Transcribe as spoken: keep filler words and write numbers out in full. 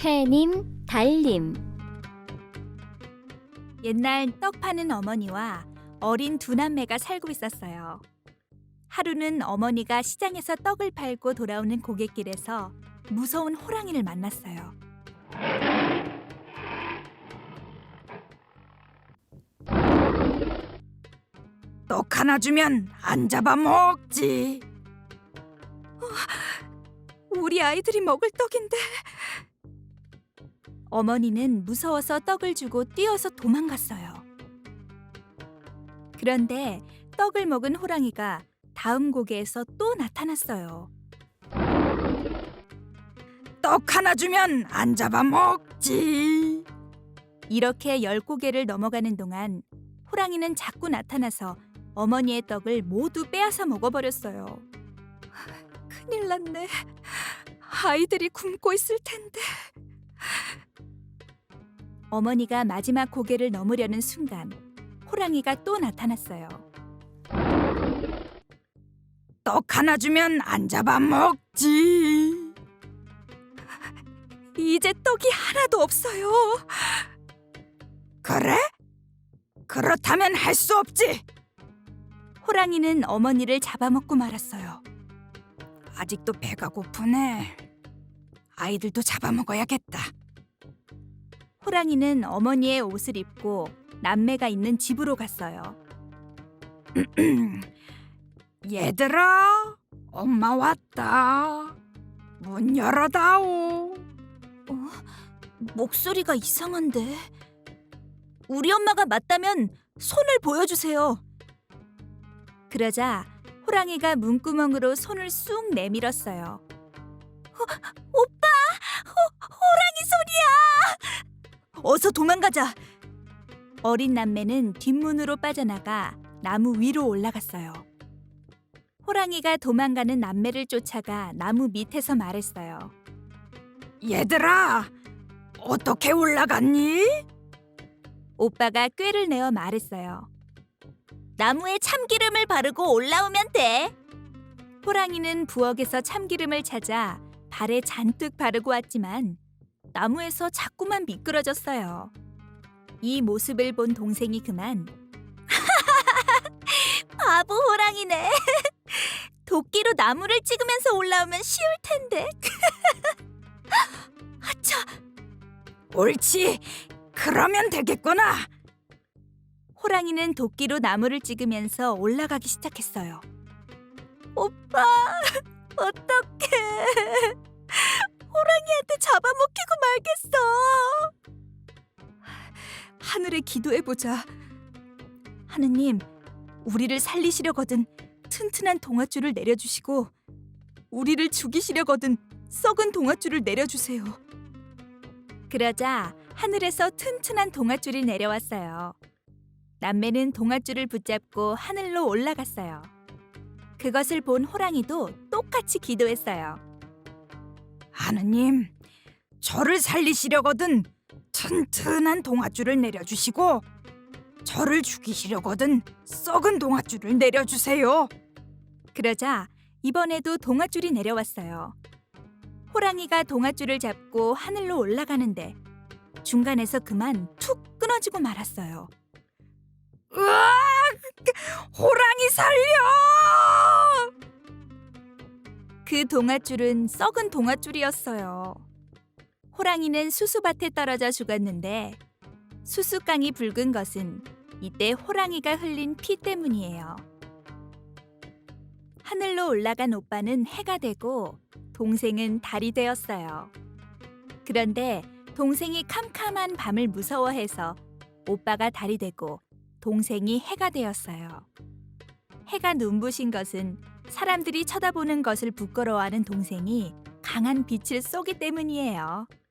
해님, 달님. 옛날 떡 파는 어머니와 어린 두 남매가 살고 있었어요. 하루는 어머니가 시장에서 떡을 팔고 돌아오는 고갯길에서 무서운 호랑이를 만났어요. 떡 하나 주면 안 잡아먹지. 우리 아이들이 먹을 떡인데. 어머니는 무서워서 떡을 주고 뛰어서 도망갔어요. 그런데 떡을 먹은 호랑이가 다음 고개에서 또 나타났어요. 떡 하나 주면 안 잡아먹지. 이렇게 열 고개를 넘어가는 동안 호랑이는 자꾸 나타나서 어머니의 떡을 모두 빼앗아 먹어버렸어요. 큰일 났네. 아이들이 굶고 있을 텐데. 어머니가 마지막 고개를 넘으려는 순간 호랑이가 또 나타났어요. 떡 하나 주면 안 잡아먹지. 이제 떡이 하나도 없어요. 그래? 그렇다면 할 수 없지. 호랑이는 어머니를 잡아먹고 말았어요. 아직도 배가 고프네. 아이들도 잡아먹어야겠다. 호랑이는 어머니의 옷을 입고 남매가 있는 집으로 갔어요. 얘들아, 엄마 왔다. 문 열어다오. 어? 목소리가 이상한데. 우리 엄마가 맞다면 손을 보여주세요. 그러자 호랑이가 문구멍으로 손을 쑥 내밀었어요. 어, 오빠! 호, 호랑이 손이야! 어서 도망가자! 어린 남매는 뒷문으로 빠져나가 나무 위로 올라갔어요. 호랑이가 도망가는 남매를 쫓아가 나무 밑에서 말했어요. 얘들아, 어떻게 올라갔니? 오빠가 꾀를 내어 말했어요. 나무에 참기름을 바르고 올라오면 돼. 호랑이는 부엌에서 참기름을 찾아 발에 잔뜩 바르고 왔지만 나무에서 자꾸만 미끄러졌어요. 이 모습을 본 동생이 그만 바보 호랑이네. 도끼로 나무를 찍으면서 올라오면 쉬울 텐데. 아차! 옳지. 그러면 되겠구나. 호랑이는 도끼로 나무를 찍으면서 올라가기 시작했어요. 오빠, 어떡해. 호랑이한테 잡아먹히고 말겠어. 하늘에 기도해보자. 하느님, 우리를 살리시려거든 튼튼한 동아줄을 내려주시고 우리를 죽이시려거든 썩은 동아줄을 내려주세요. 그러자 하늘에서 튼튼한 동아줄이 내려왔어요. 남매는 동아줄을 붙잡고 하늘로 올라갔어요. 그것을 본 호랑이도 똑같이 기도했어요. 하느님, 저를 살리시려거든 튼튼한 동아줄을 내려주시고 저를 죽이시려거든 썩은 동아줄을 내려주세요. 그러자 이번에도 동아줄이 내려왔어요. 호랑이가 동아줄을 잡고 하늘로 올라가는데 중간에서 그만 툭 끊어지고 말았어요. 으악! 호랑이 살려! 그 동아줄은 썩은 동아줄이었어요. 호랑이는 수수밭에 떨어져 죽었는데 수수깡이 붉은 것은 이때 호랑이가 흘린 피 때문이에요. 하늘로 올라간 오빠는 해가 되고 동생은 달이 되었어요. 그런데 동생이 캄캄한 밤을 무서워해서 오빠가 달이 되고 동생이 해가 되었어요. 해가 눈부신 것은 사람들이 쳐다보는 것을 부끄러워하는 동생이 강한 빛을 쏘기 때문이에요.